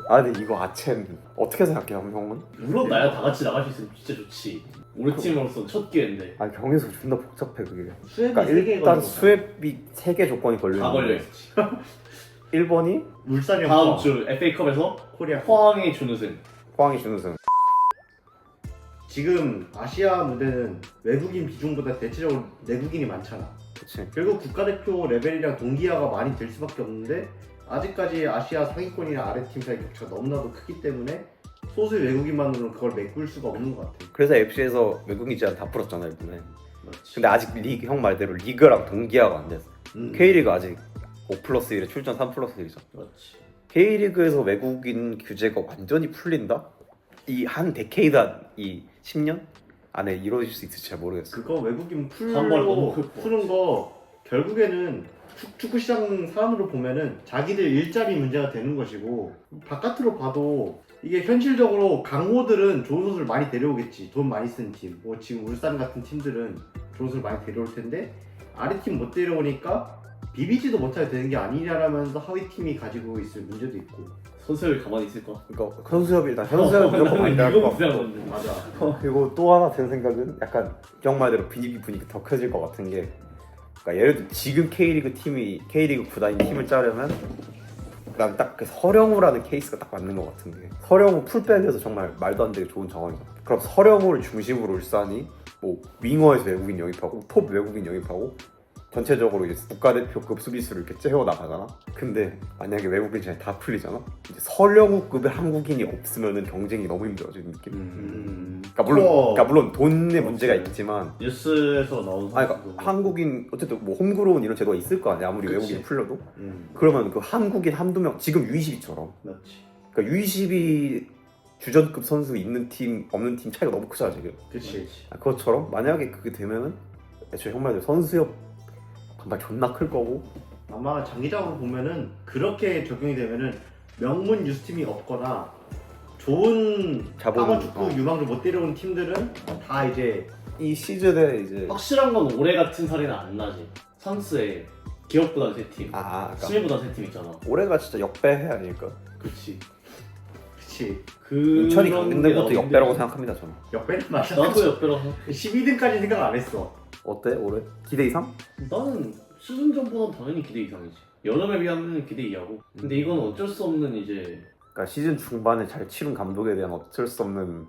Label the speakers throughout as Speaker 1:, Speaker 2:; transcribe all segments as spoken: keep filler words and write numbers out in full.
Speaker 1: 아 근데 이거 아첸 어떻게 생각해 형은?
Speaker 2: 물론 나야 다 같이 나갈 수 있으면 진짜 좋지. 우리 팀으로서 첫 기회인데
Speaker 1: 아 경에서 존나 복잡해 그게.
Speaker 3: 수협이
Speaker 1: 그러니까
Speaker 3: 세 개
Speaker 1: 일단
Speaker 3: 걸려.
Speaker 1: 수협이 세 개 조건이 걸려
Speaker 2: 다 걸려
Speaker 1: 있는데
Speaker 2: 있었지.
Speaker 1: 일 번이
Speaker 3: 울산이
Speaker 2: 다음
Speaker 3: 없어.
Speaker 2: 주 에프에이컵에서
Speaker 3: 코리아.
Speaker 2: 포항이 준우승.
Speaker 1: 포항이 준우승.
Speaker 3: 지금 아시아 무대는 외국인 비중보다 대체적으로 내국인이 많잖아.
Speaker 1: 그치.
Speaker 3: 결국 국가대표 레벨이랑 동기화가 많이 될 수밖에 없는데 아직까지 아시아 상위권이나 아래팀 사이 격차가 너무나도 크기 때문에 소수의 외국인만으로는 그걸 메꿀 수가 없는 것 같아.
Speaker 1: 그래서 에프씨에서 외국인 제한 다 풀었잖아 이번에.
Speaker 2: 맞지.
Speaker 1: 근데 아직 리그 형 말대로 리그랑 동기화가 안 됐어.
Speaker 3: 음.
Speaker 1: K리그 아직 오 플러스 일에 출전 삼 플러스 일이잖아.
Speaker 2: 맞지.
Speaker 1: K리그에서 외국인 규제가 완전히 풀린다? 이 한 데케이드 이 십 년 안에 이루어질 수 있을지 잘 모르겠어.
Speaker 3: 그거 외국인
Speaker 2: 반발 너무
Speaker 3: 풀고
Speaker 2: 클 것
Speaker 3: 푸는 거 결국에는 축- 축구 시장 사람으로 보면은 자기들 일자리 문제가 되는 것이고 바깥으로 봐도 이게 현실적으로 강호들은 좋은 선수를 많이 데려오겠지. 돈 많이 쓴 팀. 뭐 지금 울산 같은 팀들은 좋은 선수를 많이 데려올 텐데 아래 팀 못 데려오니까 비비지도 못하게 되는 게 아니냐라면서 하위 팀이 가지고 있을 문제도 있고.
Speaker 2: 선수를 가만히 있을까?
Speaker 1: 그러니까 현수협이 일단 현수협 무조건 반대할 것
Speaker 2: 이거
Speaker 1: 같고.
Speaker 2: 무시하는데.
Speaker 3: 맞아.
Speaker 1: 그리고 또 하나 든 생각은 약간 형 말대로 분위기 분위기 더 커질 것 같은 게, 그러니까 예를 들어 지금 K리그 팀이 K리그 구단이 팀을 짜려면 난 딱 그 서령우라는 케이스가 딱 맞는 것 같은 게, 서령우 풀백에서 정말 말도 안 되게 좋은 정황이죠. 그럼 서령우를 중심으로 울산이 뭐 윙어에서 외국인 영입하고 톱 외국인 영입하고 전체적으로 이제 국가대표급 수비수를 이렇게 째워 나가잖아. 근데 만약에 외국인 잘 다 풀리잖아. 이제 서령우급의 한국인이 없으면은 경쟁이 너무 힘들어지는 느낌.
Speaker 3: 음.
Speaker 1: 그러니까 물론,
Speaker 3: 어.
Speaker 1: 그러니까 물론 돈의 문제가 있지만,
Speaker 2: 뉴스에서 나온
Speaker 1: 아니
Speaker 2: 선수도
Speaker 1: 그러니까 한국인 어쨌든 뭐 홈그로운 이런 제도가 있을 거 아니야. 아무리
Speaker 2: 그치.
Speaker 1: 외국인 풀려도.
Speaker 3: 음.
Speaker 1: 그러면 그 한국인 한두 명, 지금 유이십이처럼.
Speaker 2: 맞지.
Speaker 1: 그러니까 유이십이 주전급 선수 있는 팀 없는 팀 차이가 너무 크잖아 지금.
Speaker 3: 그치.
Speaker 1: 아, 그것처럼 만약에 그게 되면은 애초에 형 말대로 선수협 반발 존나 클 거고.
Speaker 3: 아마 장기적으로 보면은 그렇게 적용이 되면은 명문 유스팀이 없거나 좋은
Speaker 1: 자본,
Speaker 3: 하마 축구
Speaker 1: 어.
Speaker 3: 유망주 못 데려온 팀들은 다 이제
Speaker 1: 이 시즌에 이제
Speaker 2: 확실한 건 올해 같은 사례는 안 나지. 선수의 기업보다 세 팀,
Speaker 1: 아, 그러니까
Speaker 2: 수미보다 세 팀 있잖아.
Speaker 1: 올해가 진짜 역배해 아닐까?
Speaker 2: 그치.
Speaker 3: 그치
Speaker 2: 그
Speaker 1: 인천이 강등된 것도 역배라고 생각합니다 저는.
Speaker 3: 역배는 맞아.
Speaker 2: 나도 역배라고 생각해.
Speaker 3: 십이 등까지 생각 안 했어.
Speaker 1: 어때 올해? 기대 이상?
Speaker 2: 나는 시즌 전보다는 당연히 기대 이상이지. 여름에 비하면 기대 이하고. 근데 이건 어쩔 수 없는 이제
Speaker 1: 그러니까 시즌 중반에 잘 치른 감독에 대한 어쩔 수 없는.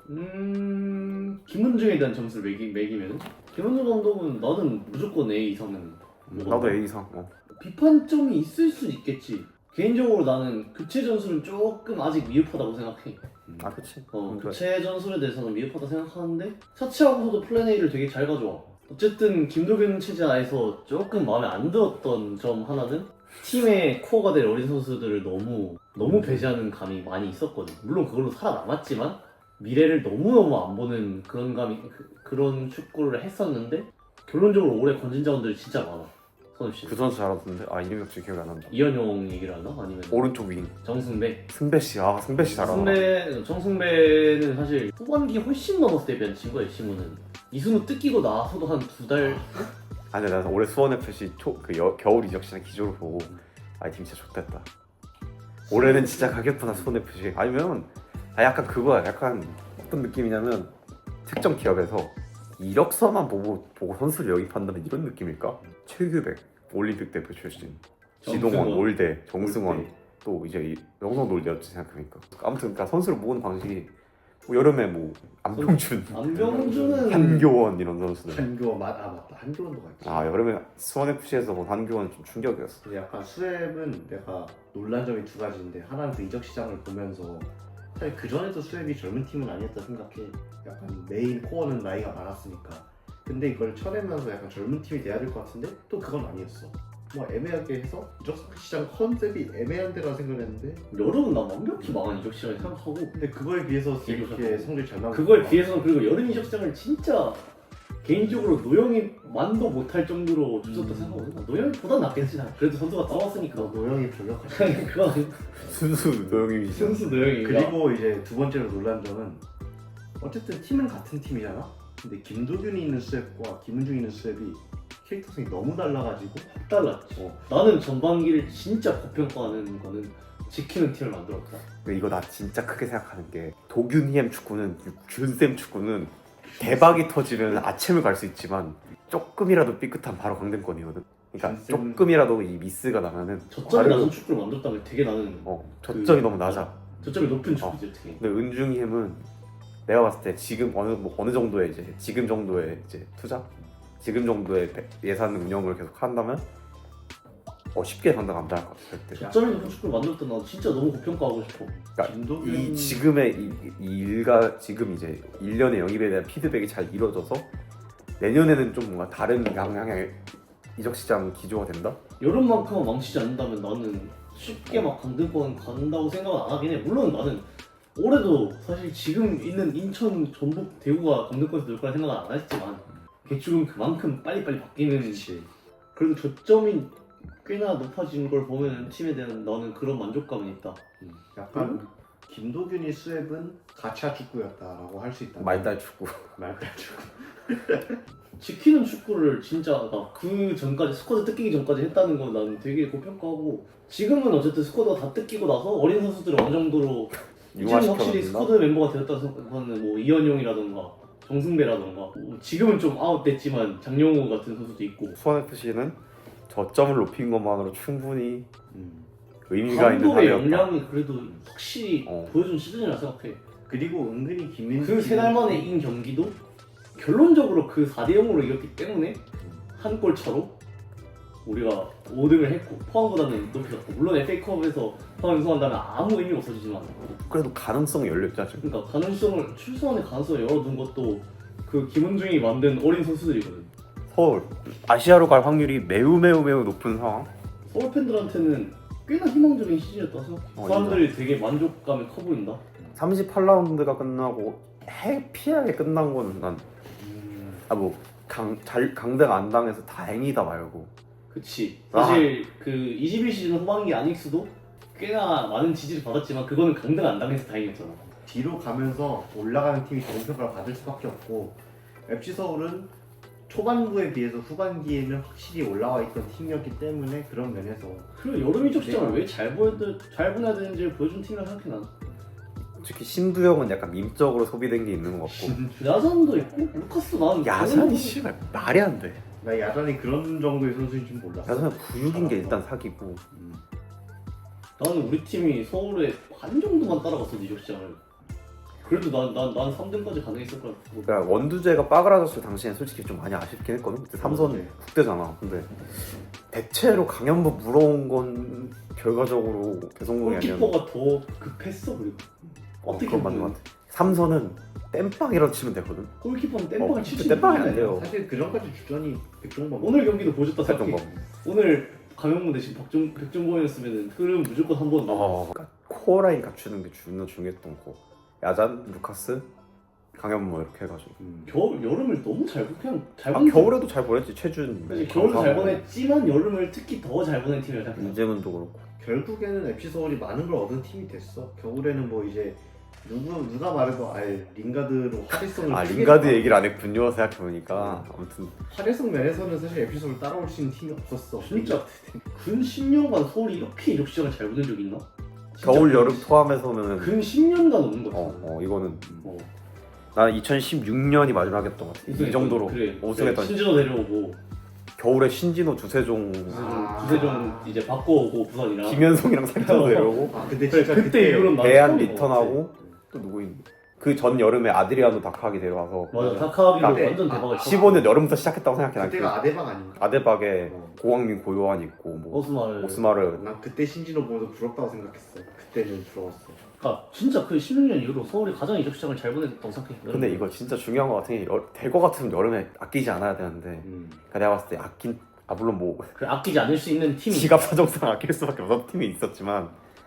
Speaker 2: 음 김은중에 대한 점수를 매기, 매기면 김은중 감독은 나는 무조건 A 이상은
Speaker 1: 나도 A 이상. 어.
Speaker 2: 비판점이 있을 수 있겠지. 개인적으로 나는 교체 전술은 조금 아직 미흡하다고 생각해.
Speaker 1: 아 그치.
Speaker 2: 어,
Speaker 1: 음, 그래.
Speaker 2: 교체 전술에 대해서는 미흡하다 생각하는데 차치하고서도 플랜 A를 되게 잘 가져와. 어쨌든 김도균 체제하에서 조금 마음에 안 들었던 점 하나는 팀의 코어가 될 어린 선수들을 너무 너무 배제하는 감이 많이 있었거든. 물론 그걸로 살아남았지만 미래를 너무너무 안 보는 그런 감이 그, 그런 축구를 했었는데 결론적으로 올해 건진 자원들이 진짜 많아. 선우 씨.
Speaker 1: 그 선수 잘하던데. 아 이름이 갑자기 기억이 안 난다.
Speaker 2: 이현용 얘기를 하나? 아니면
Speaker 1: 오른쪽 윙
Speaker 2: 정승배?
Speaker 1: 승배 씨. 아 승배 씨 잘하나.
Speaker 2: 승배, 정승배는 사실 후반기 훨씬 넘었을 때 비한 친구야. 시무는 이승우 뜯기고 나서도 한 두 달.
Speaker 1: 아니 내가 올해 수원 에프씨 초그 겨울 이적 시장 기조를 보고 아이 팀 진짜 좋겠다. 올해는 진짜 가겠구나 수원 에프씨. 아니면 아 약간 그거야. 약간 어떤 느낌이냐면 특정 기업에서 이력서만 보고 보고 선수를 영입한다는 이런 느낌일까? 최규백 올림픽 대표 출신, 지동원,
Speaker 2: 정승원,
Speaker 1: 올대, 정승원,
Speaker 2: 올대.
Speaker 1: 또 이제 영성 놀대였지 생각해보니까. 아무튼 그러니까 선수를 모으는 방식이 뭐 여름에 뭐 안병준,
Speaker 2: 안병준은
Speaker 1: 한교원 이런 선수들.
Speaker 3: 한교원 맞, 아 맞다 한교원도 갔지.
Speaker 1: 아 여름에 수원 에프씨에서 본 한교원 좀 충격이었어.
Speaker 3: 근데 약간 수협은 내가 놀란 점이 두 가지인데 하나는 그 이적 시장을 보면서 사실 그 전에도 수협이 젊은 팀은 아니었다 생각해. 약간 메인 코어는 나이가 많았으니까. 근데 이걸 쳐내면서 약간 젊은 팀이 돼야 될 것 같은데 또 그건 아니었어. 뭐 애매하게 해서 이적 시장 컨셉이 애매한 데라 생각했는데
Speaker 2: 여름은 나 완벽히 망한 이적 시장을 생각하고
Speaker 3: 근데 그거에 비해서 이렇게
Speaker 2: 비교해서.
Speaker 3: 성적이 잘 나오고
Speaker 2: 그거에 비해서는 그리고 여름 이적 시장을 진짜 개인적으로 노영이 만도 못할 정도로 줬었다
Speaker 3: 음.
Speaker 2: 생각하거든. 노영이보다 낫겠지. 나. 그래도 선수가 따왔으니까.
Speaker 3: 너 노영이 저격하시.
Speaker 2: 그건
Speaker 1: 순수 노영이
Speaker 2: 순수 노영이.
Speaker 3: 그리고 이제 두 번째로 놀란 점은 어쨌든 팀은 같은 팀이잖아. 근데 김도균이 있는 수협과 김은중이 있는 수협이 캐릭터성이 너무 달라가지고
Speaker 2: 달랐지.
Speaker 3: 어.
Speaker 2: 나는 전반기를 진짜 고평가하는 거는 지키는 팀을 만들었다.
Speaker 1: 근데 이거 나 진짜 크게 생각하는 게 도균희엠 축구는 균쌤 축구는 대박이 터지면 아침을 갈 수 있지만 조금이라도 삐끗한 바로 강등권이거든. 그러니까
Speaker 3: 균쌤-
Speaker 1: 조금이라도 이 미스가 나면은
Speaker 2: 저점이
Speaker 1: 바로-
Speaker 2: 낮은 축구를 만들었다면 되게 나는
Speaker 1: 어 저점이
Speaker 2: 그-
Speaker 1: 너무 낮아.
Speaker 2: 저점이 높은 축구지 되게.
Speaker 1: 근데 은중이햄은 내가 봤을 때 지금 어느 뭐 어느 정도의 이제 지금 정도의 이제 투자, 지금 정도의 배- 예산 운영을 계속 한다면 어 쉽게 감당 안 당할 것 같아 절대.
Speaker 2: 저점이 높은 축구를 만들었다 나 진짜 너무 고평가하고 싶어.
Speaker 1: 그러니까
Speaker 3: 김도균
Speaker 1: 이 지금의 이, 이 일가 지금 이제 일 년의 영입에 대한 피드백이 잘 이루어져서 내년에는 좀 뭔가 다른 방향의 이적 시장 기조가 된다.
Speaker 2: 여름만큼은 망치지 않는다면 나는 쉽게 막 강등권 간다고 생각은 안 하긴 해. 물론 나는 올해도 사실 지금 있는 인천, 전북, 대구가 강등권에서 놀 거라 생각은 안 했지만 개축은 그만큼 빨리빨리 바뀌는
Speaker 3: 그치.
Speaker 2: 그래도 저점이 꽤나 높아진 걸 보면 팀에 대한 나는 그런 만족감은 있다.
Speaker 3: 음, 약간 김도균이 수협은 가차 축구였다라고 할 수 있다.
Speaker 1: 말달 축구.
Speaker 3: 말달 축구.
Speaker 2: 지키는 축구를 진짜 나 그 전까지 스쿼드 뜯기기 전까지 했다는 건 난 되게 고평가하고 지금은 어쨌든 스쿼드가 다 뜯기고 나서 어린 선수들을 어느 정도로 이제는 확실히
Speaker 1: 융화시켜준다.
Speaker 2: 스쿼드 멤버가 되었다고 생각하는 뭐 이현용이라던가 정승배라던가 뭐 지금은 좀 아웃됐지만 장영호 같은 선수도 있고
Speaker 1: 수원에프씨는 저점을 높인 것만으로 충분히
Speaker 3: 음.
Speaker 1: 의미가 있는
Speaker 2: 감독의
Speaker 1: 사례였다.
Speaker 2: 역량이 그래도 확실히
Speaker 1: 어.
Speaker 2: 보여준 시즌이라 생각해.
Speaker 3: 그리고 은근히 김민수
Speaker 2: 그 세 달 만에 이긴 경기도 결론적으로 그 사 대 영으로 이겼기 때문에 한 골 차로 우리가 오 등을 했고 포항보다는 높이 갔고 물론 에프에이컵에서 포항 우승한다면 아무 의미 없어지지만
Speaker 1: 그래도 가능성이 열렸죠 지금.
Speaker 2: 그러니까 가능성을 출소안의 가능성을 열어둔 것도 그 김은중이 만든 어린 선수들이거든.
Speaker 1: 서울 아시아로 갈 확률이 매우 매우 매우 높은 상황.
Speaker 2: 서울 팬들한테는 꽤나 희망적인 시즌이었다고 생각해.
Speaker 1: 어,
Speaker 2: 사람들이 되게 만족감이 커 보인다.
Speaker 1: 삼십팔 라운드가 끝나고 해피하게 끝난 거는 난 아 뭐 강 잘 강등 안 당해서 다행이다 말고.
Speaker 2: 그치.
Speaker 1: 아.
Speaker 2: 사실 그 이십일 시즌 후반기 아닉스도 꽤나 많은 지지를 받았지만 그거는 강등 안 당해서 다행이었잖아.
Speaker 3: 뒤로 가면서 올라가는 팀이 좋은 평가를 받을 수밖에 없고 에프씨 서울은 초반부에 비해서 후반기에는 확실히 올라와 있던 팀이었기 때문에 그런 면에서
Speaker 2: 그리고 여름 이적 시장을 왜 잘 보여 잘 보내야 되는지를 보여준 팀이라 생각해 난.
Speaker 1: 특히 신두영은 약간 밈적으로 소비된 게 있는 것 같고.
Speaker 2: 야산도 있고 루카스도 나는
Speaker 1: 야산이 씨발 말이 안 돼.
Speaker 3: 나 야단이 그런 정도의 선수인 줄 몰랐어.
Speaker 1: 야산은 구육인 게 일단 사기고.
Speaker 3: 음.
Speaker 2: 나는 우리 팀이 서울에 반 정도만 따라갔어 이적 시장을. 그래도 난난난 삼 등까지 가능했을 거야.
Speaker 1: 그러니까 원두재가 빠그라졌을 당시엔 솔직히 좀 많이 아쉽긴 했거든. 그때 삼선
Speaker 3: 네.
Speaker 1: 국대잖아. 근데 대체로 강현무 물어온 건 결과적으로 개성공이 아니었는데.
Speaker 2: 골키퍼가 더 급했어 그리고.
Speaker 1: 어,
Speaker 2: 어떻게
Speaker 1: 그건 맞는
Speaker 2: 보면.
Speaker 1: 것 같아. 삼선은 땜빵이라도 치면 되거든.
Speaker 2: 골키퍼는
Speaker 1: 어,
Speaker 2: 땜빵을 칠 수
Speaker 1: 근데 땜빵이 안
Speaker 2: 있는데
Speaker 1: 돼요.
Speaker 3: 사실 그 전까지 주전이 백종범
Speaker 2: 오늘 경기도 보셨다 생각해.
Speaker 1: 살정범.
Speaker 2: 오늘 강영문 대신 박정 백종범이었으면 흐름 무조건 한번 넣어.
Speaker 1: 어, 그러니까 코어라인 갖추는 게 존나 중요했던 거. 야잔, 루카스, 강현무 이렇게 해가지고.
Speaker 3: 음.
Speaker 2: 겨울 여름을 너무 잘 그냥 잘
Speaker 1: 아
Speaker 2: 보냈.
Speaker 1: 겨울에도 잘 보냈지. 최준.
Speaker 2: 사실 겨울도 잘 보냈지만 여름을 특히 더 잘 보낸 팀이라 생각해.
Speaker 1: 이재문도 그렇고.
Speaker 3: 결국에는 에프씨 서울이 많은 걸 얻은 팀이 됐어. 겨울에는 뭐 이제 누구 누가 말해도 알 링가드로 활약성을
Speaker 1: 아
Speaker 3: 크게
Speaker 1: 링가드
Speaker 3: 봐.
Speaker 1: 얘기를 안 했군요. 생각해 보니까 아무튼
Speaker 3: 활약성 면에서는 사실 에프씨 서울 따라올 수 있는 팀이 없었어.
Speaker 2: 진짜 근 십 년간 서울이 이렇게 이적 시장을 잘 보낸 적이 있나? 진짜
Speaker 1: 겨울
Speaker 2: 근-
Speaker 1: 여름 포함해서는
Speaker 2: 근 십 년간 오는 거 같아.
Speaker 1: 어, 어 이거는
Speaker 2: 어.
Speaker 1: 나는 이천십육 년이 마지막이었던 것 같아. 이 정도로
Speaker 2: 그래,
Speaker 1: 우승했던
Speaker 2: 그래, 신진호 내려오고
Speaker 1: 겨울에 신진호, 두세종,
Speaker 2: 두세종,
Speaker 3: 아.
Speaker 2: 두세종 이제 바꿔오고 부산이랑
Speaker 1: 김현송이랑 사귀어서 내려오고
Speaker 3: 아 근데
Speaker 2: 그래,
Speaker 3: 진짜
Speaker 2: 그때
Speaker 3: 그때
Speaker 2: 이후로는 난
Speaker 1: 대한
Speaker 2: 처음인 것
Speaker 1: 리턴하고 또 누구 있니? 그 전 여름에 아드리아노 다카기 데려와서
Speaker 2: 맞아 다카비로
Speaker 3: 그때-
Speaker 2: 완전
Speaker 3: 아,
Speaker 2: 대박을 쳤어.
Speaker 1: 십오 년 여름부터 시작했다고 생각해. 난
Speaker 3: 그때가
Speaker 1: 그
Speaker 3: 아데방 아닌가?
Speaker 1: 아데박에
Speaker 3: 어.
Speaker 1: 고광민, 고요한 있고 뭐
Speaker 2: 오스마를
Speaker 1: 오스마르.
Speaker 3: 난 그때 신진호 보면서 부럽다고 생각했어. 그때는 부러웠어.
Speaker 2: 그러니까 진짜 그 십육 년 이후로 서울이 가장 이적 시장을 잘 보냈다고 생각해.
Speaker 1: 근데 이거 진짜 중요한 것 같은 게 될 것 같으면 여름에 아끼지 않아야 되는데
Speaker 3: 음.
Speaker 1: 그러니까 내가 봤을 때 아낀 아 물론 뭐
Speaker 2: 그래, 아끼지 않을 수 있는 팀이
Speaker 1: 지갑 사정상 아낄 수밖에 없었던 팀이 있었지만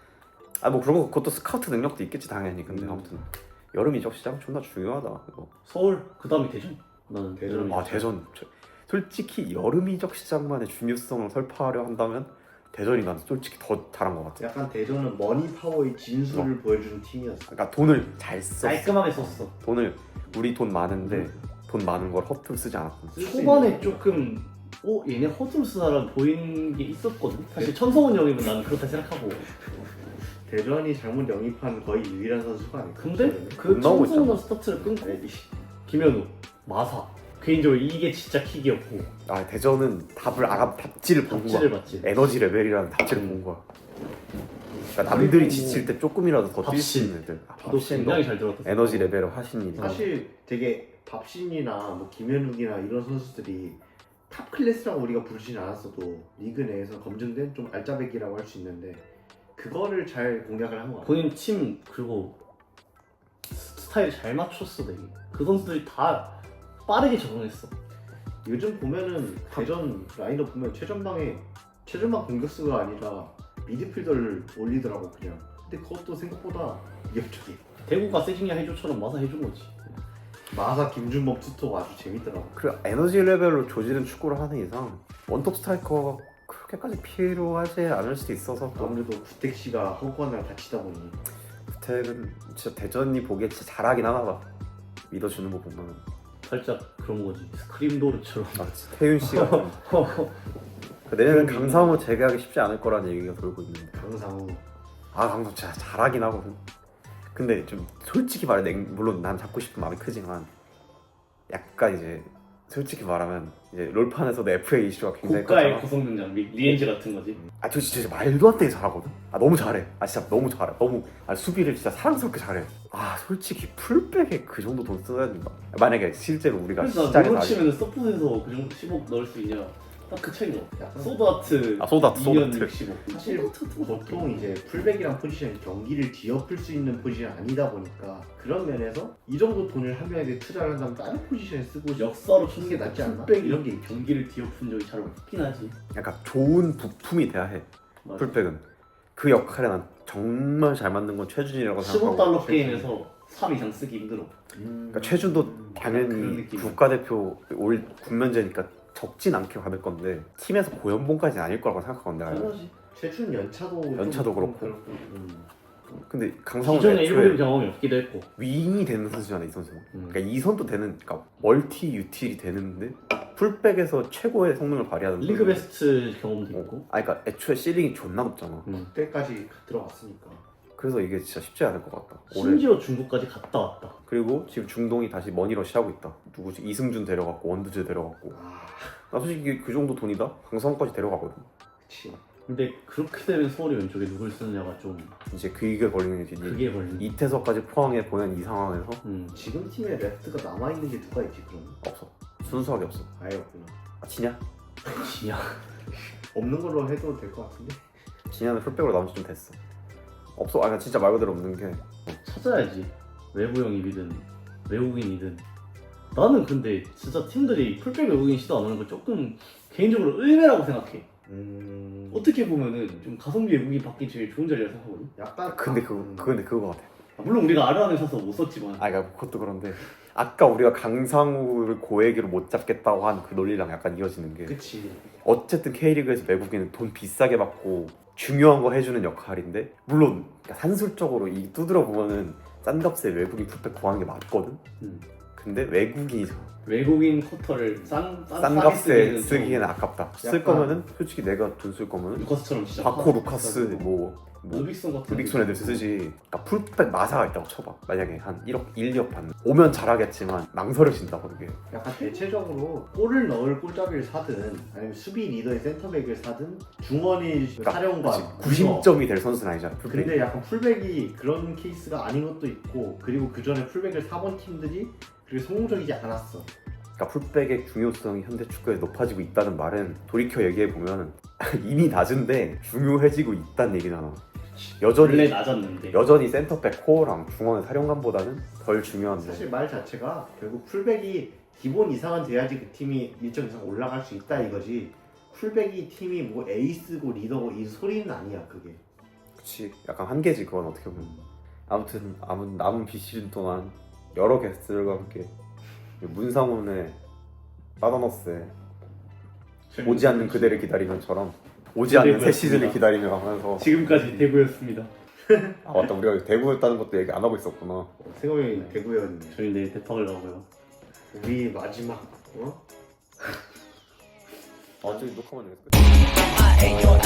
Speaker 1: 아 뭐 그런 거 그것도 스카우트 능력도 있겠지 당연히. 근데
Speaker 3: 음.
Speaker 1: 아무튼 여름 이적 시장 존나 중요하다 이거.
Speaker 2: 서울 그 다음이 대전. 나는
Speaker 3: 대전.
Speaker 2: 대전.
Speaker 1: 아 대전 저- 솔직히 여름 이적 시장만의 중요성을 설파하려 한다면 대전이 난 솔직히 더 잘한 것 같아.
Speaker 3: 약간 대전은 머니 파워의 진수를 보여주는 팀이었어.
Speaker 1: 그러니까 돈을 잘 썼어.
Speaker 2: 깔끔하게 썼어.
Speaker 1: 돈을 우리 돈 많은데 돈 많은 걸 허투루 쓰지 않았고.
Speaker 3: 쓸수
Speaker 2: 초반에
Speaker 3: 있는
Speaker 2: 조금 어 얘네 허드루스 사람 보이는 게 있었거든. 사실 천성훈 형이면 나는 그렇다 생각하고
Speaker 3: 대전이 잘못 영입한 거의 유일한 선수가 아닐까.
Speaker 2: 근데
Speaker 3: 저는.
Speaker 2: 그
Speaker 1: 못 나오고
Speaker 2: 청소년 스타트를 끊고 김현우, 마사 개인적으로 이게 진짜 킥이었고
Speaker 1: 아 대전은 답을 알아 답지를 본 거야.
Speaker 2: 답지를 봤지.
Speaker 1: 에너지 레벨이라는 답지를 본 거야. 그러니까 남들이 지칠 때 조금이라도 더 뛸 수 있는 애들. 아,
Speaker 2: 도
Speaker 1: 밥신도
Speaker 2: 굉장히 잘 들었다.
Speaker 1: 에너지 레벨을 하신 일이.
Speaker 3: 사실 되게 밥신이나 뭐 김현욱이나 이런 선수들이 탑 클래스라고 우리가 부르지는 않았어도 리그 내에서 검증된 좀 알짜배기라고 할 수 있는데 그거를 잘 공략을 한 것 같아.
Speaker 2: 본인 팀 그리고 스타일 잘 맞췄어 되게. 그 선수들이 다 빠르게 적응했어.
Speaker 3: 요즘 보면은 대전 라인업 보면 최전방에 최전방 공격수가 아니라 미드필더를 올리더라고 그냥. 근데 그것도 생각보다 위협적이야.
Speaker 2: 대구가 세징야 해줘처럼 마사 해준 거지.
Speaker 3: 마사 김준범 투토가 아주 재밌더라고.
Speaker 1: 그 에너지 레벨로 조지는 축구를 하는 이상 원톱 스트라이커가 그렇게까지 필요하지 않을 수도 있어서 또
Speaker 3: 아무래도 구택 씨가 허구한날 다치다 보니
Speaker 1: 구택은 진짜 대전이 보기에 진짜 잘하긴 하나 봐. 믿어주는 거 보면.
Speaker 2: 살짝 그런 거지. 스크림도르처럼.
Speaker 1: 아, 진짜 태윤 씨가 좀 내년에 강상호 재계약이 쉽지 않을 거라는 얘기가 돌고 있는데.
Speaker 3: 강상우
Speaker 1: 아 강상호 진짜 잘하긴 하거든. 근데 좀 솔직히 말해 냉- 물론 난 잡고 싶은 마음이 크지만 약간 이제 솔직히 말하면 이제 롤판에서도 에프에이 이슈가 굉장히
Speaker 2: 고가의
Speaker 1: 컸잖아.
Speaker 2: 구성 능력, 리- 리엔즈 같은 거지.
Speaker 1: 아 저 진짜 말도 안 되게 잘하거든. 아 너무 잘해. 아 진짜 너무 잘해. 너무 아, 수비를 진짜 사랑스럽게 잘해. 아 솔직히 풀백에 그 정도 돈 써야 된다. 만약에 실제로 우리가
Speaker 2: 그래서 나
Speaker 1: 시장에서
Speaker 2: 노로
Speaker 1: 아직-
Speaker 2: 치면 서폿에서 그 정도 십억 넣을 수 있냐? 딱 그 차이 나.
Speaker 3: 약간
Speaker 2: 소드아트
Speaker 1: 아 소다트
Speaker 2: 이 년
Speaker 1: 소다트.
Speaker 2: 육십억.
Speaker 3: 사실 보통 이제 풀백이란 포지션이 경기를 뒤엎을 수 있는 포지션이 아니다 보니까 그런 면에서 이 정도 돈을 한 명에게 투자를 한다면 다른 포지션에 쓰고
Speaker 2: 역사로
Speaker 3: 치는 게 낫지 않나?
Speaker 2: 풀백이
Speaker 3: 이런 게 있죠.
Speaker 2: 경기를 뒤엎은 적이 잘 없긴 하지.
Speaker 1: 약간 좋은 부품이 돼야 해.
Speaker 2: 맞아.
Speaker 1: 풀백은 그 역할에 난 정말 잘 맞는 건 최준이라고
Speaker 2: 십억
Speaker 1: 생각하고.
Speaker 2: 달러 게임에서 삼 이상 쓰기 힘들어.
Speaker 1: 그러니까 최준도
Speaker 2: 그런
Speaker 1: 당연히
Speaker 2: 느낌.
Speaker 1: 국가대표 올 군면제니까 적진 않게 받을 건데 팀에서 고연봉까지는 아닐 거라고 생각하거든 내가.
Speaker 2: 당연하지.
Speaker 3: 최준 연차도 좀
Speaker 1: 연차도 그렇고.
Speaker 3: 음.
Speaker 1: 근데 강상훈
Speaker 2: 기존에 일본
Speaker 1: 애초에
Speaker 2: 경험이 없기도 했고.
Speaker 1: 윙이 되는 선수잖아 이 선수.
Speaker 2: 음.
Speaker 1: 그러니까 이 선도 되는, 그러니까 멀티 유틸이 되는데 풀백에서 최고의 성능을 발휘하는.
Speaker 2: 리그 베스트 경험도
Speaker 1: 어.
Speaker 2: 있고.
Speaker 1: 아 그러니까 애초에 실링이 존나 높잖아.
Speaker 2: 음.
Speaker 3: 그때까지 들어갔으니까
Speaker 1: 그래서 이게 진짜 쉽지 않을 것 같다. 올해.
Speaker 2: 심지어 중국까지 갔다 왔다.
Speaker 1: 그리고 지금 중동이 다시 머니러시 하고 있다. 누구지? 이승준 데려갔고 원두재 데려갔고.
Speaker 3: 아
Speaker 1: 나 솔직히 그 정도 돈이다? 강성까지 데려가거든.
Speaker 3: 그치.
Speaker 2: 근데 그렇게 되면 서울이 왼쪽에 누굴 쓰느냐가 좀
Speaker 1: 이제 그게 걸리는 게
Speaker 2: 그게 걸린.
Speaker 1: 이태석까지 포항에 보낸 이 상황에서
Speaker 2: 음.
Speaker 3: 지금 팀에 레프트가 남아있는 게 누가 있지 그러면?
Speaker 1: 없어. 순수하게 없어.
Speaker 3: 아예 없구나.
Speaker 1: 아, 진야?
Speaker 2: 지야.
Speaker 3: 없는 걸로 해도 될 것 같은데?
Speaker 1: 진야는 풀백으로 나온 지 좀 됐어. 없어. 아 그냥 진짜 말 그대로 없는 게
Speaker 2: 찾아야지. 외부 영입이든 외국인이든. 나는 근데 진짜 팀들이 풀백 외국인 시도 안 하는 거 조금 개인적으로 의외라고 생각해.
Speaker 3: 음...
Speaker 2: 어떻게 보면은 좀 가성비 외국인 받기 제일 좋은 자리라 생각하거든.
Speaker 3: 약간
Speaker 1: 근데 그거
Speaker 3: 음.
Speaker 1: 근데 그거 같아.
Speaker 2: 아, 물론 우리가 아르안을 사서 못 썼지만.
Speaker 1: 아 그러니까 그것도 그런데 아까 우리가 강상우를 고액으로 못 잡겠다고 한 그 논리랑 약간 이어지는 게
Speaker 3: 그치.
Speaker 1: 어쨌든 K리그에서 외국인은 돈 비싸게 받고 중요한 거 해주는 역할인데 물론 그러니까 산술적으로 이 두드려 보면은 싼 값에 외국인 풀백 구하는 게 맞거든.
Speaker 2: 음.
Speaker 1: 근데 외국인이잖아.
Speaker 2: 외국인 쿼터를 싼, 싼,
Speaker 1: 싼
Speaker 2: 싸게
Speaker 1: 값에
Speaker 2: 쓰기에는 좀
Speaker 1: 쓰기에는 아깝다. 쓸
Speaker 3: 약간-
Speaker 1: 거면은 솔직히 내가 돈 쓸 거면은
Speaker 2: 루카스처럼 진짜.
Speaker 1: 바코 루카스 뭐, 뭐
Speaker 2: 루빅손 같은.
Speaker 1: 루빅손 애들 쓰지. 그러니까 풀백 마사가 있다고 쳐봐. 만약에 한 일억, 일, 이억 받는 오면 잘하겠지만 망설여진다 그게.
Speaker 3: 약간 대체적으로 골을 넣을 골잡이를 사든 아니면 수비 리더의 센터백을 사든 중원이
Speaker 1: 그러니까
Speaker 3: 사령관
Speaker 1: 구심점이 될 선수는 아니잖아. 풀백.
Speaker 3: 근데 약간 풀백이 그런 케이스가 아닌 것도 있고 그리고 그 전에 풀백을 사본 팀들이 그렇게 성공적이지 않았어.
Speaker 1: 그러니까 풀백의 중요성이 현대 축구에 높아지고 있다는 말은 돌이켜 얘기해 보면 이미 낮은데 중요해지고 있다는 얘기잖아. 여전히
Speaker 2: 원래 낮았는데.
Speaker 1: 여전히 센터백 코어랑 중원의 사령관보다는 덜 중요한데.
Speaker 3: 사실 말 자체가 결국 풀백이 기본 이상은 돼야지 그 팀이 일정 이상 올라갈 수 있다 이거지. 풀백이 팀이 뭐 에이스고 리더고 이 소리는 아니야 그게.
Speaker 1: 그치, 약간 한계지 그건 어떻게 보면. 아무튼 남은 남은 비시즌 동안 여러 게스트들과 함께 문상훈의 빠다너스의 오지 않는 그대를 기다리면처럼 오지 않는 새 시즌을 기다리며 하면서.
Speaker 2: 지금까지 대구였습니다.
Speaker 1: 아 맞다, 우리가 대구였다는 것도 얘기 안 하고 있었구나.
Speaker 3: 생각이 대구였네.
Speaker 2: 저희 내일 대박을 나고요.
Speaker 3: 우리 마지막 어?
Speaker 1: 아 저기 녹화만 되겠어.